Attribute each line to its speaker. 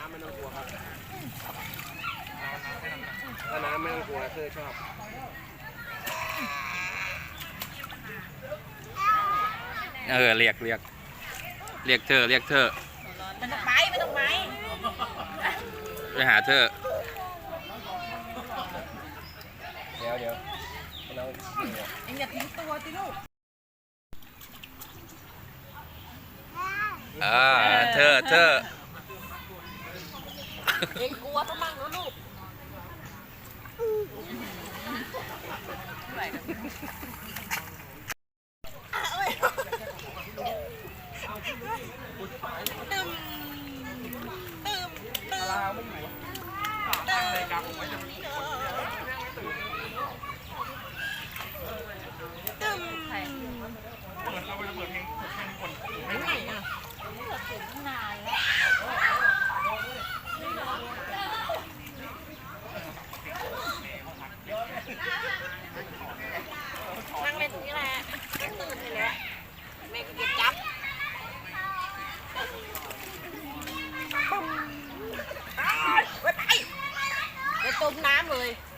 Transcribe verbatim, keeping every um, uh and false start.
Speaker 1: ำไม่ต้องกลัวครับถ้าน้ำไม่ต้องกลัวเธอชอบ
Speaker 2: เออเรียกเรียกเรียกเธอเรียกเธอ
Speaker 3: ไม่ต้องไปไม่ต้องไป
Speaker 2: ไปหาเธอ
Speaker 1: เดี๋ยวเดี๋ยวเรา
Speaker 3: เอ็งอย่าทิ้งตัวสิลูก
Speaker 2: เออเธอเธอ
Speaker 3: เอ็งกลัวก็มั่งนะลูกตึมตึมตึม
Speaker 1: เราไม่อยู่ตั้งเลยครับผมไม่จะมีคน
Speaker 3: ตึม
Speaker 1: เปิดเราไปเปิดเพลงเพลงคน
Speaker 3: ไม่ไหวอ่ะนานแล้วนั่งเล่นตรงนี้แหละตื่นนี่แหละแม่ก็เก็บจับไปไปไปจมน้ำเลย